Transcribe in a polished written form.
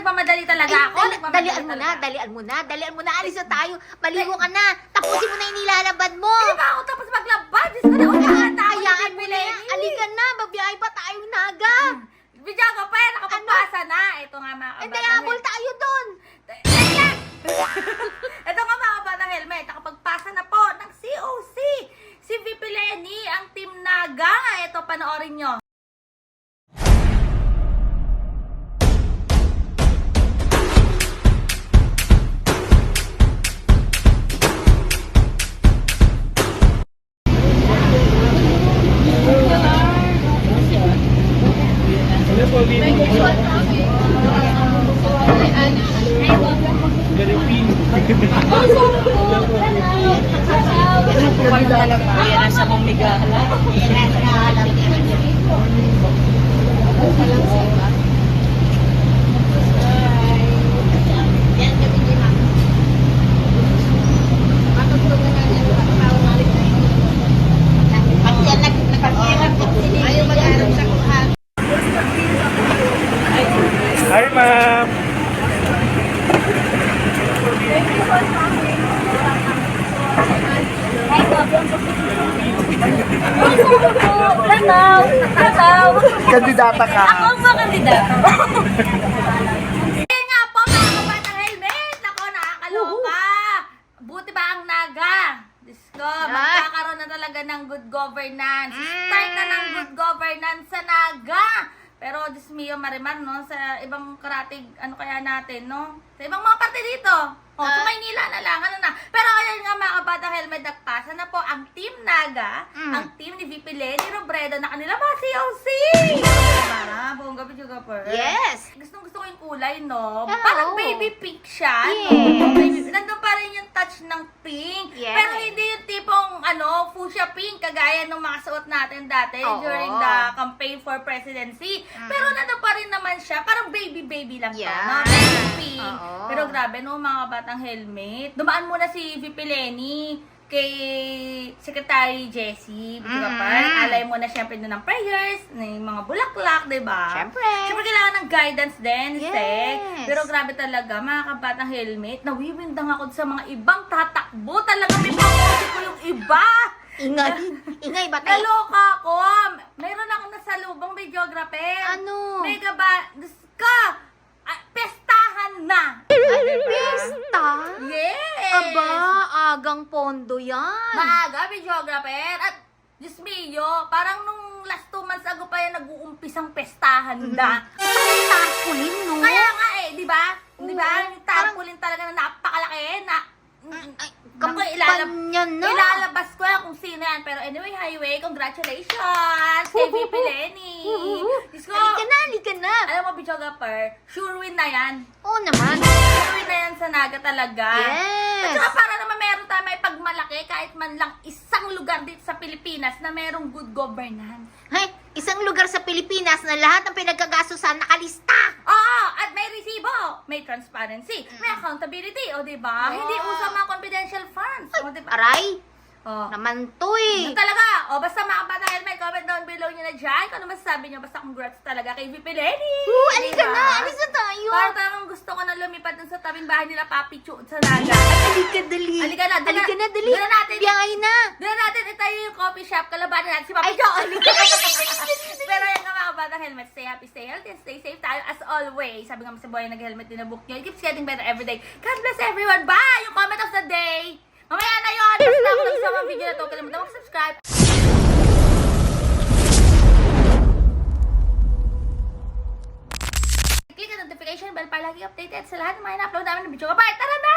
nagmamadali talaga ako. Dalian mo na. Alis na tayo. Maligo ka na. Tapusin mo na yung nilalabad mo. Hindi ba ako tapos maglabad? Diyos ko na, umahan tayo. Hayaan mo na yan. Alika na. Babiyahe pa tayong naga. Bidya ka pa, nakapagpasa na. Ito nga mga Hindi, habol tayo doon. Ito nga mga kabatang helmet, nakapagpasa na po ng COC. Si VP Lenny, ang Team Naga. Ito, panoorin nyo. Yan ang sa mong migala. Ayaw mag-arap sa kuhan. Hi, ma'am. Kandidata ka. Ako ang mga kandidato. Ayun nga po mga kabatang helmet. Ako, nakakaloka. Buti ba ang Naga? Diyos ko, magkakaroon na talaga ng good governance. Start na ng good governance sa Naga. Pero, Diyos mio, Marimar, no? Sa ibang karatig, ano kaya natin, no? Sa ibang mga parte dito. O, sa Maynila na lang, ano na. Pero, ayun nga mga kabatang helmet, nagpasa na po ang Team Naga, ang team ni VP Lenny Robredo na kanila mga COC. Mara, buong gabi juga po. Yes. Gusto ko yung kulay, no? Yeah, Parang oo. baby pink siya, Yes. no? Baby, nandun pa rin yung touch ng pink. Yes. Pero hindi yung tipong, fuchsia pink, kagaya nung mga suot natin dati Oo. during the campaign for presidency. Pero nandun pa rin naman siya, parang baby lang to, Yeah. no? Baby pink. Oo. Pero grabe, no, mga batang helmet. Dumaan muna si VP Lenny kay Secretary Jessie, diba pa? Alay mo na syempre doon ng prayers, ng mga bulaklak, diba? Syempre. Syempre kailangan ng guidance din, Yes. Sek. Pero grabe talaga, mga kabatang helmet, nawiwindang ako sa mga ibang tatakbo. Talaga may pangkusi ko yung iba. Ingay ba tayo? Naloka ako. Mayroon akong nasalubong videographer. Ano? Mega ba? Diyos ka! Pestahan na! Pista? Yes! Aba, agang pondo yan. Maaga, videographer. At, Diyos mio, parang nung last 2 months ago pa yan nag-uumpisang pestahan na. Ang tarpaulin, no? Kaya nga di ba? Di ba? Oo. Yung tarpaulin talaga na napakalaki na Kampanya na. ilalabas ko yan kung sino yan. Pero anyway, highway, congratulations kay VP Lenny. Diyos ko, Halika na. alam mo, videographer, sure win na yan. Oo naman. Sure win na yan sa Naga talaga. Yes. At saka para naman meron tayo may pagmalaki kahit man lang isang lugar dito sa Pilipinas na merong good governance. Hay, isang lugar sa Pilipinas na lahat ng pinagkagastusan nakalista. Oo, at may resibo, may transparency, may accountability, o diba? Wow. Hindi uso mga confidential funds, o diba? Aray, Oh. naman to eh. Yun talaga. O, basta mga bata helmet, comment down below nyo na dyan. Kung ano masasabi nyo, basta congrats talaga kay VP Lenny. Alika na, alis na tayo. Parang talagang gusto ko na lumipad dun sa tabing bahay nila Papi Chu sa Naga. Halika, dali. Halika na, dali. Halika na, dali. Dali natin. Biyahe na. Doon natin itayo yung coffee shop, kalabanan natin si Papi Chu. Pero yan nga mga bata helmet, stay happy, stay healthy, and stay safe tayo as always. Sabi nga sa boy, nag-helmet din na book nyo. It keeps getting better every day. God bless everyone. Bye! Yung comment of the day. Mamaya na yun. Basta ako nagsama ang video na to. Kalimutan mag-subscribe. Click ang notification bell para lagi updated sa lahat ng mga in-upload namin ng video. Bye! Tara na!